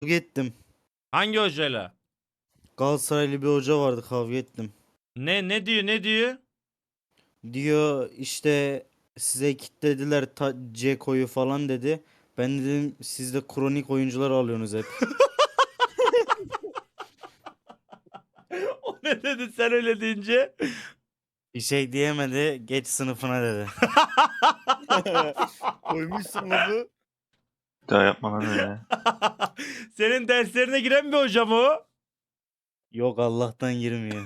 Kavga ettim. Hangi hocayla? Galatasaraylı bir hoca vardı, kavga ettim. Ne diyor ne diyor? Diyor işte size kilitlediler Ceko'yu falan dedi. Ben dedim siz de kronik oyuncular alıyorsunuz hep. O ne dedi sen öyle deyince? Bir şey diyemedi, geç sınıfına dedi. Koymuşsun lafı. Daha yapma lan öyle. Senin derslerine giren bir hoca mı o? Yok, Allah'tan girmiyor.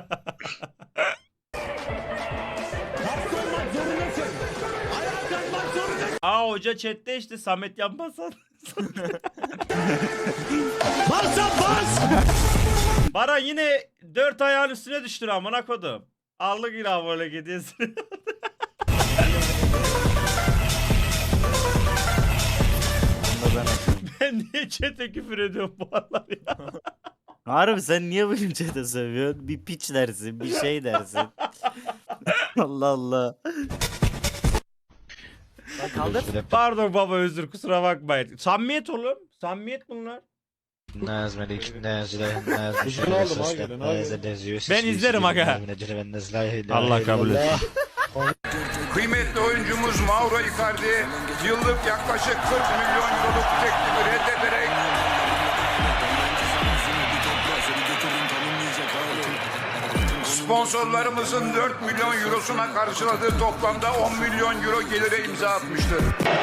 Aa hoca chatte işte Samet Yanbasan. Baran yine 4 ayağın üstüne düştür amına kodum. Allık ilah böyle gidiyorsun. Onu da ben atayım. Ben niye chat'e küfür ediyorum bu aralar ya? Harbi sen niye bugün chat'e sövüyorsun? Bir piç dersin, bir şey dersin. Allah Allah. Kaldır. Pardon baba özür kusura bakmayın. Samimiyet oğlum. Samimiyet bunlar. Ben izlerim aga. Allah kabul etsin. Kıymetli oyuncumuz Mauro Icardi yıllık yaklaşık 40 milyon euroluk teklifi reddederek sponsorlarımızın 4 milyon eurosuna karşıladığı toplamda 10 milyon euro gelire imza atmıştır.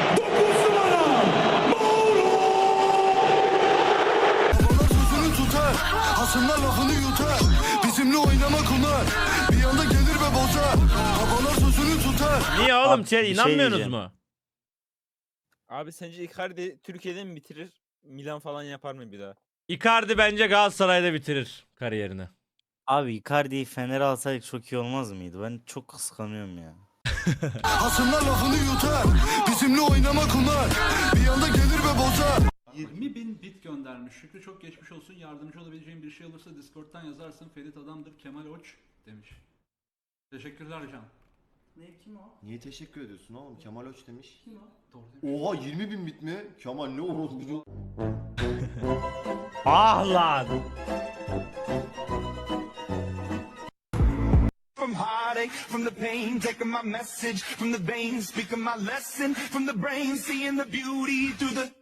Sözünü tutar, hasımlar lafını yutar. Bizimle oynamak onlar, bir anda gelir ve bozar. Babalar sözünü tutar. Niye oğlum Abi, sen bir şey inanmıyorsunuz diyeceğim. mu? Abi sence Icardi Türkiye'de mi bitirir? Milan falan yapar mı bir daha? Icardi bence Galatasaray'da bitirir kariyerini. Abi Icardi'yi Fener'e alsaydık çok iyi olmaz mıydı? Ben çok kıskanıyorum ya. Hasımlar lafını yutar, bizimle oynamak onlar. Bir anda gelir ve bozar. 20.000 bit göndermiş. Şükrü çok geçmiş olsun. Yardımcı olabileceğim bir şey olursa Discord'dan yazarsın. Ferit adamdır. Kemal Oç demiş. Teşekkürler Can. Ne kim o? Niye teşekkür ediyorsun oğlum? Kemal Öç demiş. Kim o? Doğru demiş. Oha 20.000 bit mi? Kemal ne orospu. Ah lan. From heartache, from the pain, taking my message from the veins, speaking my lesson from the brain, seeing the beauty through the...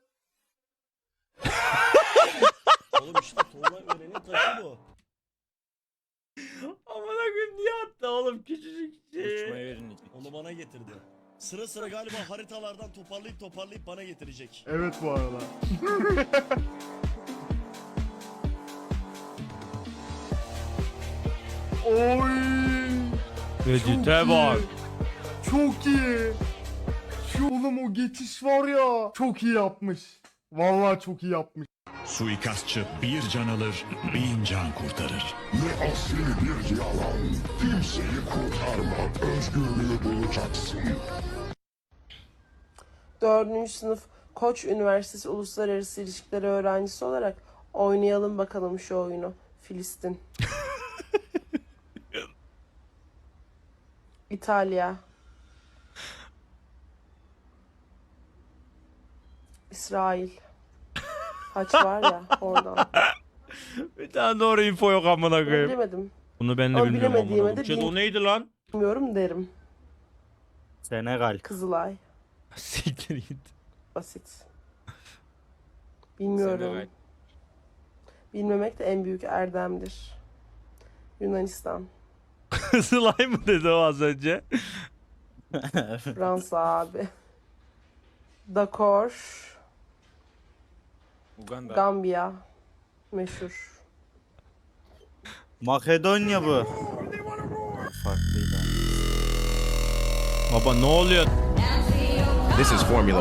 Oğlum işte Tuğla Ören'in taşı bu. Amına koyayım niye attı oğlum küçücük şey. Uçmayı verin. Onu bana getirdi. Sıra sıra galiba haritalardan toparlayıp bana getirecek. Evet bu arada. Oy! Edit'e bak. Çok iyi. Şu oğlum o geçiş var ya. Çok iyi yapmış. Vallahi çok iyi yapmış. Suikastçı bir can alır, 1000 can kurtarır. Ne asli bir yalan, kimseyi kurtarmak, özgürlüğü bulacaksın. 4. sınıf Koç Üniversitesi Uluslararası İlişkiler öğrencisi olarak oynayalım bakalım şu oyunu. Filistin. İtalya. İsrail. Haç var ya oradan. Bir tane doğru info yok amına koyayım. Bilemedim. Bunu ben de Ama bilmiyorum amına bilemediğime koyayım. de Chat o neydi lan? Bilmiyorum derim. Senegal. Kızılay. Siktir git. Basit. Bilmiyorum. Senegal. Bilmemek de en büyük erdemdir. Yunanistan. Kızılay mı dedi o az önce? Fransa abi. Dakar. Uganda. Gambiya. Meşhur. Makedonya bu. Farklıydı. Baba ne oluyor? This is Formula